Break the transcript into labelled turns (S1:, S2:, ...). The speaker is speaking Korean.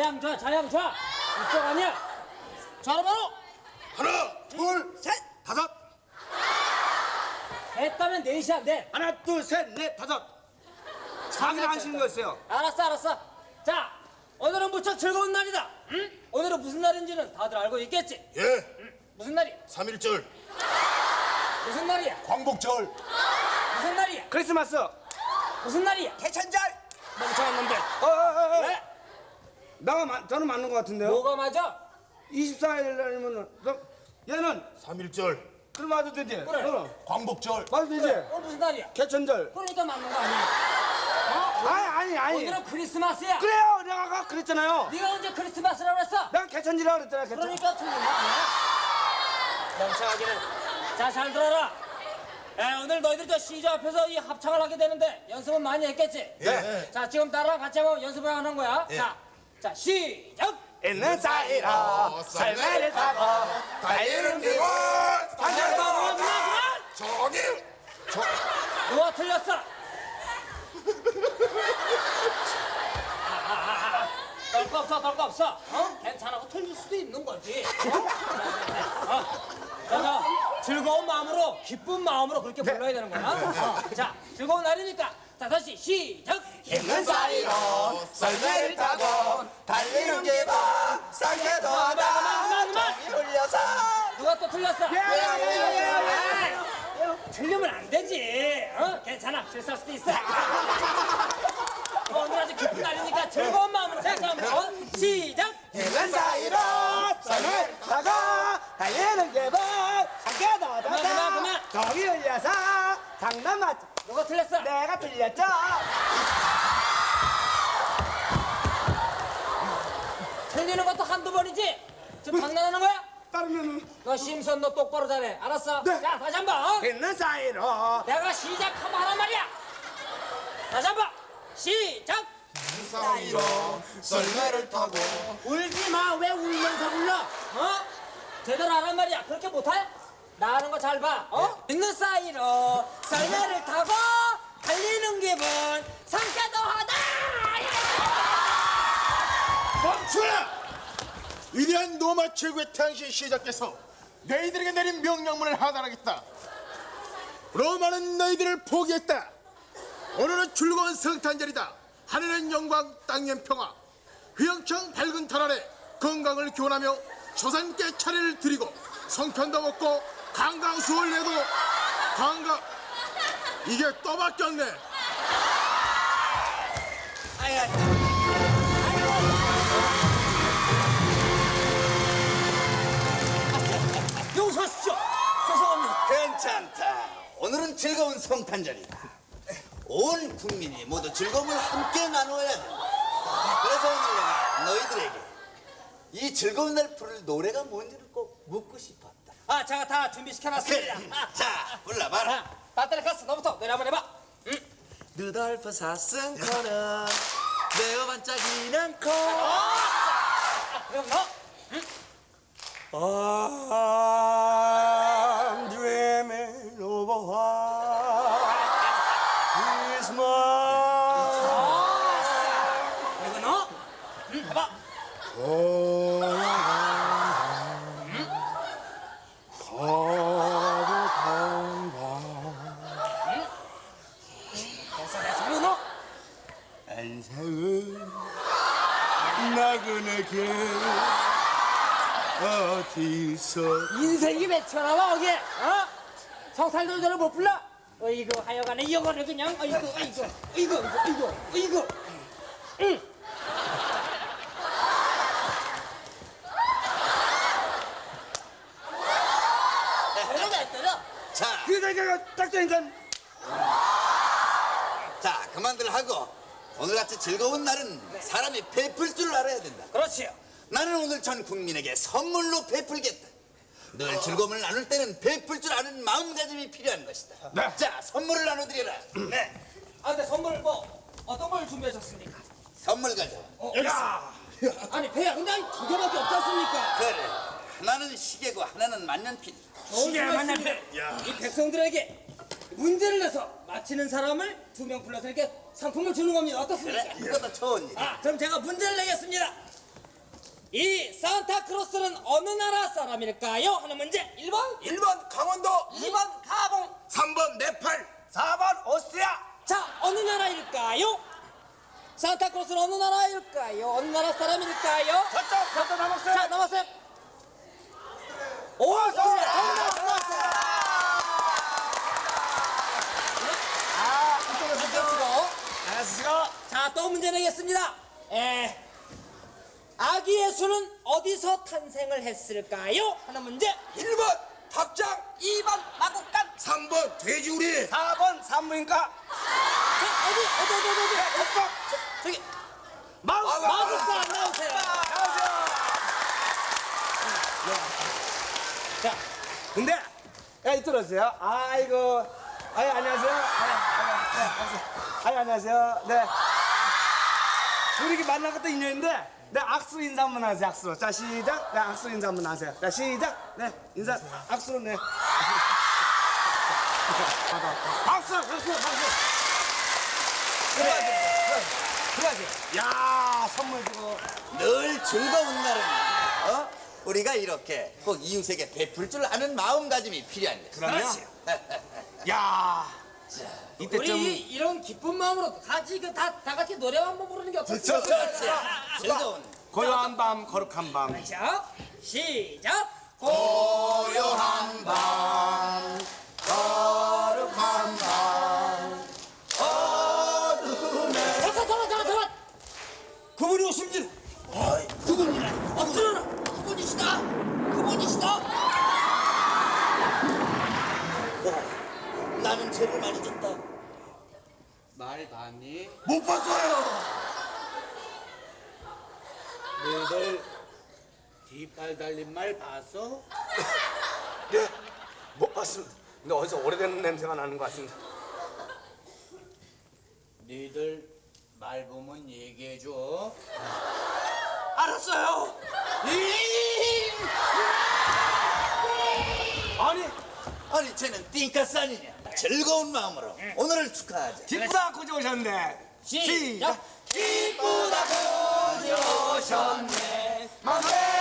S1: 자양 좌, 자양 좌. 이쪽 아니야. 좌로 바로.
S2: 하나, 둘, 셋, 다섯.
S1: 했다면 넷이야, 넷.
S2: 하나, 둘, 셋, 넷, 다섯. 자기를 하시는 거였어요.
S1: 알았어, 알았어. 자, 오늘은 무척 즐거운 날이다. 응? 오늘은 무슨 날인지는 다들 알고 있겠지?
S3: 예,
S1: 응? 무슨 날이야?
S3: 3.1절
S1: 무슨 날이야?
S3: 광복절.
S1: 무슨 날이야?
S2: 크리스마스.
S1: 무슨 날이야?
S2: 개천절.
S1: 멍청한 놈들.
S2: 왜? 저는 맞는 것 같은데요?
S1: 뭐가 맞아?
S2: 24일 날이면은 얘는
S3: 3.1절
S2: 그럼 맞아도 되지?
S1: 그래.
S2: 너는
S3: 광복절.
S2: 맞아도 되지?
S1: 오늘 무슨 날이야?
S2: 개천절.
S1: 그러니까 맞는 거 아니야?
S2: 아니.
S1: 오늘은 크리스마스야.
S2: 그래요. 내가 아까 그랬잖아요.
S1: 네가 언제 크리스마스라고 그랬어?
S2: 내가 개천지라고 그랬잖아. 개천.
S1: 그러니까 틀린 거 아니야? 멍청하기는. 자, 잘 들어라. 오늘 너희들 저 시저 앞에서 이 합창을 하게 되는데 연습은 많이 했겠지?
S3: 예.
S1: 자, 지금 나랑 같이 한번 연습을 하는 거야.
S3: 예.
S1: 자, 시작!
S2: 있는 사이로 설매를 타고
S3: 달리는 기분.
S1: 그만!
S3: 저기.
S1: 누가 틀렸어? 떨 거 없어. 괜찮아. 틀릴 수도 있는 거지. 자, 즐거운 마음으로, 기쁜 마음으로 그렇게 불러야 되는 거야. 자, 즐거운 날이니까. 자, 다시 시작!
S2: 있는 사이로 설매를 타고 달리는 기분 상쾌도
S1: 그만!
S2: 울려서
S1: 누가 또 틀렸어?
S2: 예.
S1: 틀리면 안 되지. 괜찮아. 실수할 수도 있어. 오늘 아주 기쁜 날이니까 즐거운 마음으로 다시 한번 시작!
S2: 있는 사이로 설매를 타고 달리는 기분 상쾌도
S1: 그만.
S2: 정이 울려서 장난 맞죠?
S1: 누가 틀렸어?
S2: 내가 틀렸죠?
S1: 틀리는 것도 한두 번이지? 지금 장난하는 거야?
S2: 따르면은
S1: 너 심선 너 똑바로 잘해. 알았어?
S2: 네.
S1: 자, 다시 한번.
S2: 있는 사이로
S1: 내가 시작하면 하란 말이야. 다시 한번. 시작!
S3: 사이로 썰매를 타고.
S1: 울지 마. 왜 울면서 불러? 제대로 하란 말이야. 그렇게 못해? 나 하는 거 잘 봐. 있는 사이로 썰매를 타고 달리는 기분 상쾌도 하다.
S3: 멈춰라! 위대한 로마 최고의 태양신 시작께서 너희들에게 내린 명령문을 하달하겠다. 로마는 너희들을 포기했다. 오늘은 즐거운 성탄절이다. 하늘은 영광, 땅엔 평화. 휘영청 밝은 달 아래 건강을 기원하며 조상께 차례를 드리고 성편도 먹고 강강수월 내도 이게 또 바뀌었네.
S1: 용서하십시오. 죄송합니다.
S4: 괜찮다. 오늘은 즐거운 성탄절이다. 온 국민이 모두 즐거움을 함께 나누어야 된다. 그래서 오늘 내가 너희들에게 이 즐거운 날 부를 노래가 뭔지를 꼭 묻고 싶었다.
S1: 제가 다 준비시켜놨습니다.
S4: 자, 불러봐라.
S1: 바테레카스 너부터 노래 한번 해봐.
S5: 루돌프 사슴코는 매우 반짝이는 코.
S1: 그럼 너.
S2: I'm dreaming of a white Christmas.
S1: 그리고 너. 해봐. 그리고 너.
S2: 안상은 나그네게 어디서
S1: 인생이 몇 천하와 어게? 성탄절을 못 불러? 어이구 하여간에 이거를 그냥 어이구. 응.
S4: 자,
S2: 그대가 딱 되니까
S4: 자, 그만들 하고 오늘같이 즐거운 날은 사람이 베풀 줄 알아야 된다.
S1: 그렇지요.
S4: 나는 오늘 전 국민에게 선물로 베풀겠다. 늘 즐거움을 나눌 때는 베풀 줄 아는 마음가짐이 필요한 것이다.
S2: 네.
S4: 자, 선물을 나눠드려라. 네.
S1: 근데 선물 뭐 어떤 걸 준비하셨습니까?
S4: 선물 가져와.
S1: 아니 배야 근데 아니 두 개밖에 없지 않습니까?
S4: 그래. 하나는 시계고 하나는 만년필.
S1: 시계 만났네. 이 백성들에게 문제를 내서 맞히는 사람을 2명 불러서 이렇게 상품을 주는 겁니다. 어떻습니까?
S4: 그래, 이것도 좋은 일.
S1: 그럼 제가 문제를 내겠습니다. 이 산타크로스는 어느 나라 사람일까요? 하는 문제. 1번
S2: 1번 강원도,
S1: 2번 가봉.
S2: 3번 네팔, 4번 오스트리아.
S1: 자, 어느 나라일까요? 산타크로스는 어느 나라일까요? 어느 나라 사람일까요?
S2: 저쪽 남았어요.
S1: 자, 남았어요. 오스트리아. 정답 나왔어요.
S2: 안녕하세요.
S1: 자, 또 문제 내겠습니다. 아기 예수는 어디서 탄생을 했을까요? 하는 문제.
S2: 1번 닭장,
S1: 2번 마국간.
S2: 3번 돼지우리, 4번 산부인과.
S1: 자, 어디. 저기 마국간 나오세요. 자,
S2: 근데 야 이끌었어요. 아이고, 안녕하세요. 안녕하세요. 네. 우리 이렇게 만난 것도 인연인데, 네 악수 인사 한번 하세요. 악수로. 자 시작. 네 악수 인사 한번 하세요. 자 시작. 네 인사 악수로 네. 박수. 들어가세요. 야 선물 주고.
S4: 늘 즐거운 날은 우리가 이렇게 꼭 이웃에게 베풀 줄 아는 마음가짐이 필요한 거지.
S2: 그러면 야 이때쯤
S1: 우리 이런 기쁜 마음으로 같이 다 같이 노래 한번 부르는 게 어떻습니까?
S4: 그렇지. 즐거운.
S2: 고요한 밤 거룩한 밤.
S1: 자, 시작.
S4: 고요한 밤, 거룩한 밤, 어둠에.
S1: 잠깐.
S2: 그분이 오십니다.
S1: 엎드려라. 그분이시다.
S4: 나는 죄를 많이 졌다.
S5: 말 봤니?
S2: 못 봤어요.
S5: 너희들 뒷발 달린 말 봤어?
S2: 네, 못 봤습니다. 근데 어디서 오래된 냄새가 나는 것 같습니다.
S5: 너희들 말 보면 얘기해줘.
S2: 알았어요.
S4: 아니 쟤는 띵까스 아니냐. 즐거운 마음으로 오늘을 축하하자.
S2: 기쁘다 고지 오셨네.
S1: 시작.
S4: 기쁘다 고지 오셨네.
S2: 맘에